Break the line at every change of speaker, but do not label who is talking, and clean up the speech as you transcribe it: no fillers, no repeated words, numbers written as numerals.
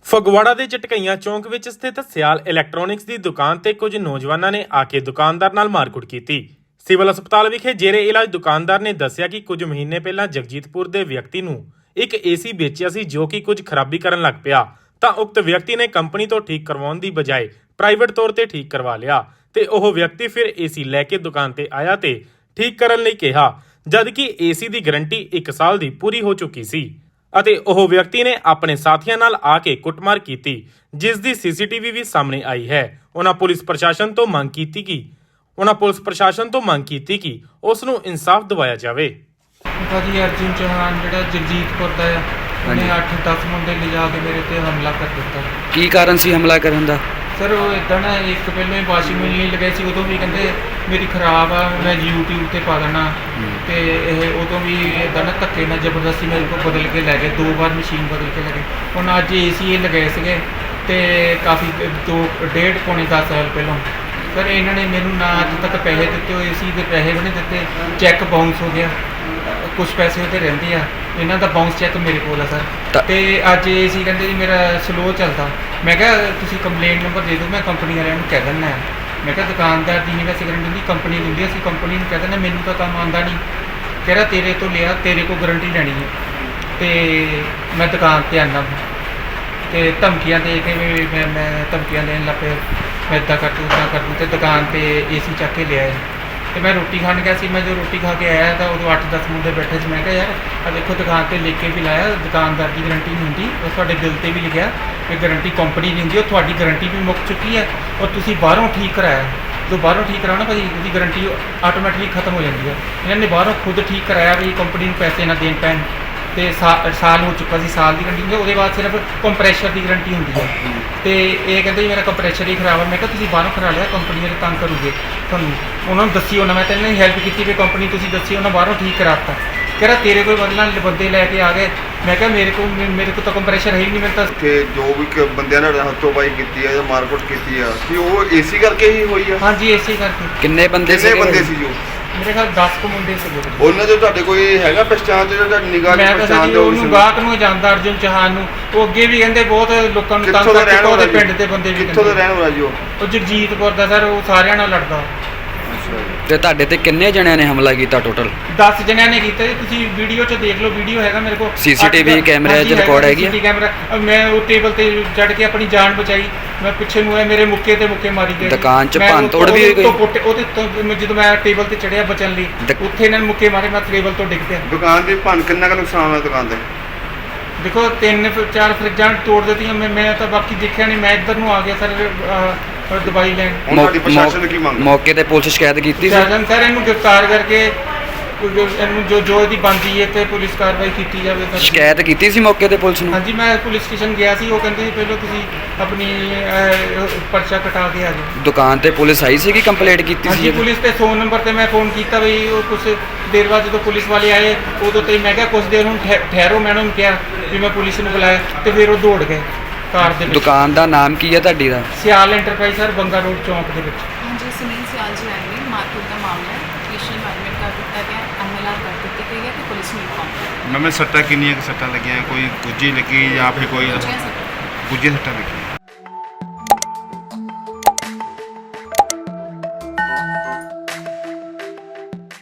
ਫਗਵਾੜਾ ਦੇ ਝਟਕਈਆਂ ਚੌਂਕ ਵਿੱਚ ਸਥਿਤ ਸਿਆਲ ਇਲੈਕਟ੍ਰੋਨਿਕਸ ਦੀ ਦੁਕਾਨ ਤੇ ਕੁਝ ਨੌਜਵਾਨਾਂ ਨੇ ਆ ਕੇ ਦੁਕਾਨਦਾਰ ਨਾਲ ਮਾਰਕੁੱਟ ਕੀਤੀ। ਸਿਵਲ ਹਸਪਤਾਲ ਵਿਖੇ ਜੇਰੇ ਇਲਾਜ ਦੁਕਾਨਦਾਰ ਨੇ ਦੱਸਿਆ ਕਿ ਕੁਝ ਮਹੀਨੇ ਪਹਿਲਾਂ ਜਗਜੀਤਪੁਰ ਦੇ ਵਿਅਕਤੀ ਨੂੰ ਇੱਕ ਏਸੀ ਵੇਚਿਆ ਸੀ ਜੋ ਕਿ ਕੁਝ ਖਰਾਬੀ ਕਰਨ ਲੱਗ ਪਿਆ ਤਾਂ ਉਕਤ ਵਿਅਕਤੀ ਨੇ ਕੰਪਨੀ ਤੋਂ ਠੀਕ ਕਰਵਾਉਣ ਦੀ ਬਜਾਏ ਪ੍ਰਾਈਵੇਟ ਤੌਰ ਤੇ ਠੀਕ ਕਰਵਾ ਲਿਆ ਤੇ ਉਹ ਵਿਅਕਤੀ ਫਿਰ ਏਸੀ ਲੈ ਕੇ ਦੁਕਾਨ ਤੇ ਆਇਆ ਤੇ ਠੀਕ ਕਰਨ ਲਈ ਕਿਹਾ, ਜਦ ਕਿ ਏਸੀ ਦੀ ਗਾਰੰਟੀ 1 ਸਾਲ ਦੀ ਪੂਰੀ ਹੋ ਚੁੱਕੀ ਸੀ ਅਤੇ ਉਹ ਵਿਅਕਤੀ ਨੇ ਆਪਣੇ ਸਾਥੀਆਂ ਨਾਲ ਆ ਕੇ ਕੁੱਟਮਾਰ ਕੀਤੀ, ਜਿਸ ਦੀ ਸੀਸੀਟੀਵੀ ਵੀ ਸਾਹਮਣੇ ਆਈ ਹੈ। ਉਹਨਾਂ ਪੁਲਿਸ ਪ੍ਰਸ਼ਾਸਨ ਤੋਂ ਮੰਗ ਕੀਤੀ ਕਿ ਉਸ ਨੂੰ ਇਨਸਾਫ ਦਿਵਾਇਆ ਜਾਵੇ।
ਭਾਜੀ ਅਰਜੁਨ ਚੌਹਾਨ ਜਿਹੜਾ ਜਗਜੀਤਪੁਰ ਦਾ ਆ, ਉਹਨੇ 8-10 ਮੁੰਡੇ ਲਿਜਾ ਕੇ ਮੇਰੇ ਤੇ ਹਮਲਾ ਕਰ ਦਿੱਤਾ।
ਕੀ ਕਾਰਨ ਸੀ ਹਮਲਾ ਕਰਨ ਦਾ?
ਸਰ ਉਹ ਇਦਾਂ ਨਾ, ਇੱਕ ਪਹਿਲਾਂ ਹੀ ਵਾਸ਼ਿੰਗ ਮਸ਼ੀਨ ਲਗਾਈ ਸੀ, ਉਦੋਂ ਵੀ ਕਹਿੰਦੇ ਮੇਰੀ ਖਰਾਬ ਆ, ਮੈਂ YouTube ਤੇ ਪਾ ਦੇਣਾ ਤੇ ਇਹ ਉਦੋਂ ਵੀ ਇਦਾਂ ਨਾ ਧੱਕੇ ਨਾਲ ਜ਼ਬਰਦਸਤੀ ਮੇਰੇ ਕੋਲ ਬਦਲ ਕੇ ਲੈ ਗਏ, 2 ਵਾਰ ਮਸ਼ੀਨ ਬਦਲ ਕੇ ਲੈ ਗਏ। ਹੁਣ ਅੱਜ ਏਸੀ ਇਹ ਲਗਾਏ ਸੀਗੇ ਤੇ ਕਾਫੀ 2.5 10 ਸਾਲ ਪਹਿਲਾਂ ਸਰ ਇਹਨਾਂ ਨੇ ਮੈਨੂੰ ਨਾ ਅੱਜ ਤੱਕ ਪੈਸੇ ਦਿੱਤੇ ਹੋਏ, ਏਸੀ ਦੇ ਪੈਸੇ ਵੀ ਨਹੀਂ ਦਿੱਤੇ, ਚੈੱਕ ਬਾਉਂਸ ਹੋ ਗਿਆ, ਕੁਝ ਪੈਸੇ ਉੱਤੇ ਰਹਿੰਦੇ ਆ, ਇਹਨਾਂ ਦਾ ਬਾਉਂਸ ਚੈੱਕ ਮੇਰੇ ਕੋਲ ਆ ਸਰ। ਤੇ ਅੱਜ ਏਸੀ ਕਹਿੰਦੇ ਜੀ ਮੇਰਾ ਸਲੋ ਚੱਲਦਾ। ਮੈਂ ਕਿਹਾ ਤੁਸੀਂ ਕੰਪਲੇਂਟ ਨੰਬਰ ਦੇ ਦਿਓ, ਮੈਂ ਕੰਪਨੀ ਵਾਲਿਆਂ ਨੂੰ ਕਹਿ ਦਿੰਦਾ। ਮੈਂ ਕਿਹਾ ਦੁਕਾਨਦਾਰ ਦੀ ਨਹੀਂ ਵੈਸੇ ਗਰੰਟੀ ਹੁੰਦੀ, ਕੰਪਨੀ ਦਿੰਦੀ, ਅਸੀਂ ਕੰਪਨੀ ਨੂੰ ਕਹਿ ਦਿੰਦੇ ਮੈਨੂੰ ਤਾਂ ਕੰਮ ਆਉਂਦਾ ਨਹੀਂ। ਕਹਿ ਰਿਹਾ ਤੇਰੇ ਤੋਂ ਲਿਆ, ਤੇਰੇ ਕੋਲ ਗਰੰਟੀ ਲੈਣੀ ਹੈ ਤੇ ਮੈਂ ਦੁਕਾਨ ਤੇ ਆਉਂਦਾ ਤੇ ਧਮਕੀਆਂ ਦੇ ਕੇ ਮੈਂ ਧਮਕੀਆਂ ਦੇਣ ਲੱਗ ਪਿਆ, ਮੈਂ ਇੱਦਾਂ ਕਰ ਦੂੰ ਤੇ ਦੁਕਾਨ ਤੇ ਏਸੀ ਚੱਕ ਕੇ ਲਿਆਏ ਤੇ ਮੈਂ ਰੋਟੀ ਖਾਣ ਗਿਆ ਸੀ। ਮੈਂ ਜੋ ਰੋਟੀ ਖਾ ਕੇ ਆਇਆ ਤਾਂ ਉਦੋਂ 8-10 ਮੁੰਡੇ ਬੈਠੇ ਸੀ। ਮੈਂ ਕਿਹਾ ਯਾਰ ਆ ਦੇਖੋ ਦੁਕਾਨ ਤੇ ਲਿਖ ਕੇ ਵੀ ਲਾਇਆ, ਦੁਕਾਨਦਾਰ ਦੀ ਗਾਰੰਟੀ ਨਹੀਂ ਹੁੰਦੀ, ਉਹ ਤੁਹਾਡੇ ਬਿੱਲ ਤੇ ਵੀ ਲਿਖਿਆ ਕਿ ਗਾਰੰਟੀ ਕੰਪਨੀ ਦੀ ਹੁੰਦੀ, ਉਹ ਤੁਹਾਡੀ ਗਾਰੰਟੀ ਵੀ ਮੁੱਕ ਚੁੱਕੀ ਹੈ ਔਰ ਤੁਸੀਂ ਬਾਹਰੋਂ ਠੀਕ ਕਰਾਇਆ। ਜੋ ਬਾਹਰੋਂ ਠੀਕ ਕਰਾਉਣਾ ਭਾਜੀ ਉਹਦੀ ਗਾਰੰਟੀ ਆਟੋਮੈਟਿਕਲੀ ਖਤਮ ਹੋ ਜਾਂਦੀ ਹੈ। ਇਹਨਾਂ ਨੇ ਬਾਹਰੋਂ ਖੁਦ ਠੀਕ ਕਰਾਇਆ ਵੀ ਕੰਪਨੀ ਨੂੰ ਪੈਸੇ ਨਾ ਦੇਣ ਪੈਣ ਤੇ ਸਾਲ ਹੋ ਚੁੱਕਾ ਸੀ, ਸਾਲ ਦੀ ਗਾਰੰਟੀ ਹੁੰਦੀ, ਉਹਦੇ ਬਾਅਦ ਸਿਰਫ ਕੰਪਰੈਸ਼ਰ ਦੀ ਗਾਰੰਟੀ ਹੁੰਦੀ ਹੈ ਤੇ ਇਹ ਕਹਿੰਦੇ ਜੀ ਮੇਰਾ ਕੰਪਰੈਸ਼ਰ ਹੀ ਖਰਾਬ ਹੈ। ਮੈਂ ਕਿਹਾ ਤੁਸੀਂ ਬਾਹਰੋਂ ਕਰਾ ਲਿਆ, ਕੰਪਨੀ ਵਾਲੇ ਤੰਗ ਕਰੂਗੇ ਤੁਹਾਨੂੰ, ਉਹਨਾਂ ਨੂੰ ਦੱਸੀ ਉਹਨਾਂ, ਮੈਂ ਤਾਂ ਇਹਨਾਂ ਦੀ ਹੈਲਪ ਕੀਤੀ ਵੀ ਕੰਪਨੀ ਤੁਸੀਂ ਦੱਸੀ, ਉਹਨਾਂ ਬਾਹਰੋਂ ਠੀਕ ਕਰਾਤਾ। ਕਹਿ ਰਿਹਾ ਤੇਰੇ ਕੋਲ ਬੰਦੇ ਲੈ ਕੇ ਆ ਗਏ। ਮੈਂ ਕਿਹਾ ਮੇਰੇ ਕੋਲ ਤਾਂ ਕੰਪਰੈਸ਼ਰ ਹੈ ਹੀ ਨਹੀਂ। ਮੈਂ ਤਾਂ
ਕਿ ਜੋ ਵੀ ਬੰਦਿਆਂ ਨੇ ਹੱਥੋਂਬਾਈ ਕੀਤੀ ਹੈ ਜਾਂ ਮਾਰਕੁੱਟ ਕੀਤੀ ਆ ਕਿ ਉਹ ਏਸੀ ਕਰਕੇ ਹੀ ਹੋਈ ਆ?
ਹਾਂਜੀ ਏਸੀ ਕਰਕੇ।
ਕਿੰਨੇ ਬੰਦੇ ਸੀ ਜੋ?
ਮੇਰੇ ਖਿਆਲ 10 ਕੁ ਮੁੰਡੇ ਸੀਗੇ।
ਉਹਨਾਂ ਦੇ ਤੁਹਾਡੇ ਕੋਈ ਹੈਗਾ ਪਛਾਣ ਤੇ ਜਿਹੜਾ ਨਿਗਾਹ ਦੀ ਪਛਾਣ ਦੇ?
ਉਹਨੂੰ ਗਾਹਕ ਨੂੰ ਜਾਣਦਾ, ਅਰਜੁਨ ਚੌਹਾਨ ਨੂੰ। ਉਹ ਅੱਗੇ ਵੀ ਕਹਿੰਦੇ ਬਹੁਤ ਲੋਕਾਂ ਨੂੰ ਤੰਗ ਕਰਦਾ, ਉਹਦੇ ਪਿੰਡ ਦੇ ਬੰਦੇ ਵੀ।
ਕਿੱਥੋਂ ਦਾ ਰਹਿਣ ਵਾਲਾ ਜੀ
ਉਹ ਜਗਜੀਤਪੁਰ ਦਾ ਸਰ, ਉਹ ਸਾਰਿਆਂ ਨਾਲ ਲੜਦਾ।
ਤੇ ਤੁਹਾਡੇ ਤੇ ਕਿੰਨੇ ਜਣਿਆਂ ਨੇ ਹਮਲਾ ਕੀਤਾ ਟੋਟਲ?
10 ਜਣਿਆਂ ਨੇ ਕੀਤਾ ਜੀ, ਤੁਸੀਂ ਵੀਡੀਓ 'ਚ ਦੇਖ ਲਓ, ਵੀਡੀਓ ਹੈਗਾ ਮੇਰੇ ਕੋਲ,
ਸੀਸੀਟੀਵੀ ਕੈਮਰੇ 'ਚ ਰਿਕਾਰਡ ਹੈਗੀ ਆ?
ਕੈਮਰਾ। ਮੈਂ ਉਹ ਟੇਬਲ ਤੇ ਚੜ੍ਹ ਕੇ ਆਪਣੀ ਜਾਨ ਬਚਾਈ, ਮੈਂ ਪਿੱਛੇ ਨੂੰ ਆਇਆ, ਮੇਰੇ ਮੁੱਕੇ ਤੇ ਮੁੱਕੇ ਮਾਰੀ ਗਏ।
ਦੁਕਾਨ 'ਚ ਭੰਨ ਤੋੜ ਵੀ ਹੋਈ?
ਉਹਦੇ ਤੋਂ ਜਦੋਂ ਮੈਂ ਟੇਬਲ ਤੇ ਚੜਿਆ ਬਚਣ ਲਈ, ਉੱਥੇ ਇਹਨਾਂ ਨੇ ਮੁੱਕੇ ਮਾਰੇ, ਮੈਂ ਟੇਬਲ ਤੋਂ ਡਿੱਗ ਪਿਆ।
ਦੁਕਾਨ ਦੇ ਭੰਨ ਕਿੰਨਾ ਕੁ ਨੁਕਸਾਨ ਹੋਇਆ ਦੁਕਾਨ ਦੇ?
ਦੇਖੋ 3-4 ਫਰਿੱਜਾਂ ਤੋੜ ਦਿੱਤੀਆਂ। ਮੈਂ ਤਾਂ ਬਾਕੀ ਦੇਖਿਆ ਨਹੀਂ, ਮੈਂ ਇੱਧਰ ਨੂੰ ਆ ਗਿਆ ਸਰ ਦਵਾਈ ਲੈਣ।
ਤੁਹਾਡੀ ਪ੍ਰਸ਼ਾਸਨ ਕੀ ਮੰਗ?
ਮੌਕੇ ਤੇ ਪੁਲਿਸ ਸ਼ਿਕਾਇਤ ਕੀਤੀ ਸੀ?
ਸਰ ਇਹਨੂੰ ਗ੍ਰਿਫਤਾਰ ਕਰਕੇ ਇਹਨੂੰ ਜੋ ਇਹਦੀ ਬਣਦੀ ਹੈ ਤੇ ਪੁਲਿਸ ਕਾਰਵਾਈ ਕੀਤੀ ਜਾਵੇ ਸਰ।
ਸ਼ਿਕਾਇਤ ਕੀਤੀ ਸੀ ਮੌਕੇ ਤੇ ਪੁਲਿਸ ਨੂੰ?
ਹਾਂਜੀ ਮੈਂ ਪੁਲਿਸ ਸਟੇਸ਼ਨ ਗਿਆ ਸੀ, ਉਹ ਕਹਿੰਦੇ ਸੀ ਪਹਿਲਾਂ ਤੁਸੀਂ ਆਪਣੀ ਪਰਚਾ ਕਟਾ ਕੇ ਆ ਜਾਓ।
ਦੁਕਾਨ ਤੇ ਪੁਲਿਸ ਆਈ ਸੀ ਕਿ ਕੰਪਲੇਂਟ ਕੀਤੀ ਸੀ?
ਹਾਂਜੀ ਪੁਲਿਸ ਤੇ 100 ਨੰਬਰ ਤੇ ਮੈਂ ਫੋਨ ਕੀਤਾ ਬਈ, ਉਹ ਕੁਝ ਦੇਰ ਬਾਅਦ ਜਦੋਂ ਪੁਲਿਸ ਵਾਲੇ ਆਏ ਉਦੋਂ ਤੇ ਮੈਂ ਕਿਹਾ ਕੁਝ ਦੇਰ ਹੁਣ ਠਹਿਰੋ, ਮੈਂ ਉਹਨਾਂ ਨੂੰ ਕਿਹਾ ਵੀ ਮੈਂ ਪੁਲਿਸ ਨੂੰ ਬੁਲਾਇਆ ਤੇ ਫਿਰ ਉਹ ਦੌੜ ਗਏ ਕਾਰ ਦੇ ਵਿੱਚ।
ਦੁਕਾਨ ਦਾ ਨਾਮ ਕੀ ਹੈ ਤੁਹਾਡੀ ਦਾ?
ਸਿਆਲ ਐਂਟਰਪ੍ਰਾਈਜ਼ ਸਰ, ਬੰਗਾ ਰੋਡ ਚੌਂਕ ਦੇ ਵਿੱਚ।
ਹਾਂਜੀ ਸੁਨੀਲ ਸਿਆਲ ਜੀ ਆਏ ਨੇ, ਮਾਰਕੀਟ ਦਾ ਮਾਮਲਾ ਹੈ, ਪੇਸ਼ੀ ਐਡਮਿਟ ਕਰ ਦਿੱਤਾ ਗਿਆ, ਐਮਐਲਆਰ ਕਰ ਦਿੱਤੀ ਗਈ ਹੈ ਤੇ ਪੁਲਿਸ ਨੂੰ ਇਨਫੋਰਮ ਕਰ
ਮੈਂ ਸੱਟਾਂ ਕਿੰਨੀਆਂ ਕੁ ਸੱਟਾਂ ਲੱਗੀਆਂ? ਕੋਈ ਗੁੱਜੀ ਲੱਗੀ ਜਾਂ ਫਿਰ ਕੋਈ
ਦਿੱਤਾ।
ਗੁੱਜੀ ਸੱਟਾਂ ਲੱਗੀ?